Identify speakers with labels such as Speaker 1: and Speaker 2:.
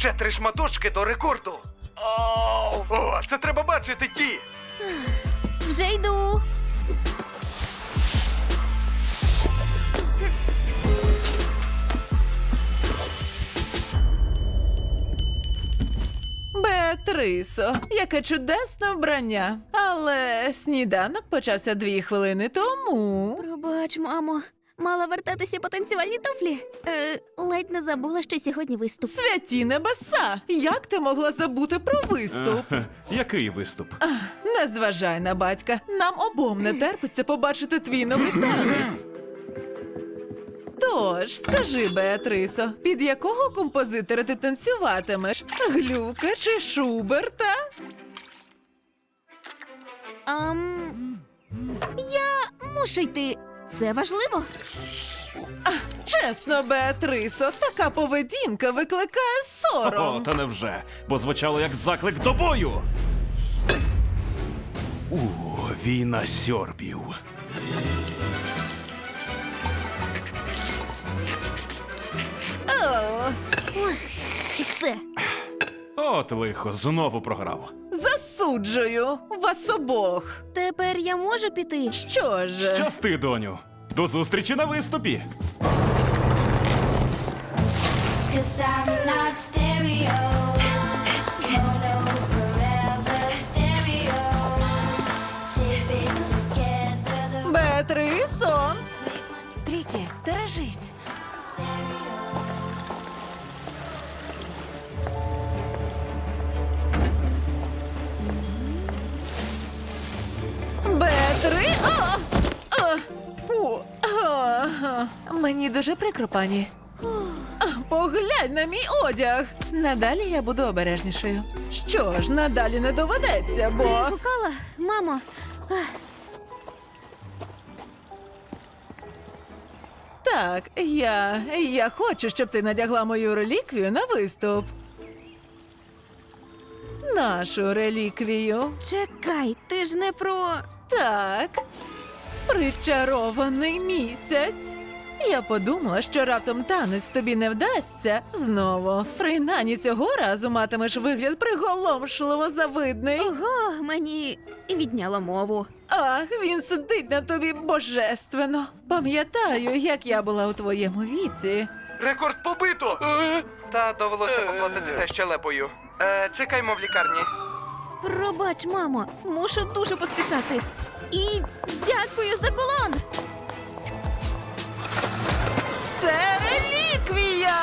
Speaker 1: Ще 3 шматочки до рекорду. О, це треба бачити, Ті.
Speaker 2: Вже йду.
Speaker 3: Беатрисо, яке чудесне вбрання. Але сніданок почався 2 хвилини тому.
Speaker 2: Пробач, мамо. Мала вертатися по танцювальні туфлі. Ледь не забула, що сьогодні виступ.
Speaker 3: Святі небеса! Як ти могла забути про виступ?
Speaker 4: Який виступ?
Speaker 3: Не зважай на батька. Нам обом не терпиться побачити твій новий танець. Тож, скажи, Беатрисо, під якого композитора ти танцюватимеш? Глюка чи Шуберта?
Speaker 2: Я мушу йти. Це важливо?
Speaker 3: Чесно, Беатрисо, така поведінка викликає сором.
Speaker 4: О, та невже, бо звучало як заклик до бою. Війна сьорбів.
Speaker 3: О,
Speaker 2: Все.
Speaker 4: От лихо, знову програв.
Speaker 3: засуджую вас обох.
Speaker 2: Тепер я можу піти?
Speaker 3: Що ж?
Speaker 4: Щасти, доню. До зустрічі на виступі.
Speaker 5: Cause I'm not stereo. Mono forever stereo. Tip it together the
Speaker 3: Беатрисо!
Speaker 5: make one
Speaker 3: Трікі, стережись.
Speaker 5: stereo.
Speaker 3: Бетри! Фу. Мені дуже прикро, пані. Поглянь на мій одяг. Надалі я буду обережнішою. Що ж, надалі не доведеться, бо...
Speaker 2: Ти гукала? Мамо.
Speaker 3: Так, я хочу, щоб ти надягла мою реліквію на виступ. Нашу реліквію.
Speaker 2: Чекай, ти ж не про...
Speaker 3: Так, причарований місяць. Я подумала, що раптом танець тобі не вдасться знову. Принаймні цього разу матимеш вигляд приголомшливо завидний.
Speaker 2: Ого, мені відняло мову.
Speaker 3: Ах, він сидить на тобі божественно. Пам'ятаю, як я була у твоєму віці.
Speaker 1: Рекорд побито! Та довелося поплатитися щелепою. Чекаймо в лікарні.
Speaker 2: Пробач, мамо, мушу дуже поспішати. І дякую за кулон!
Speaker 3: Це реліквія!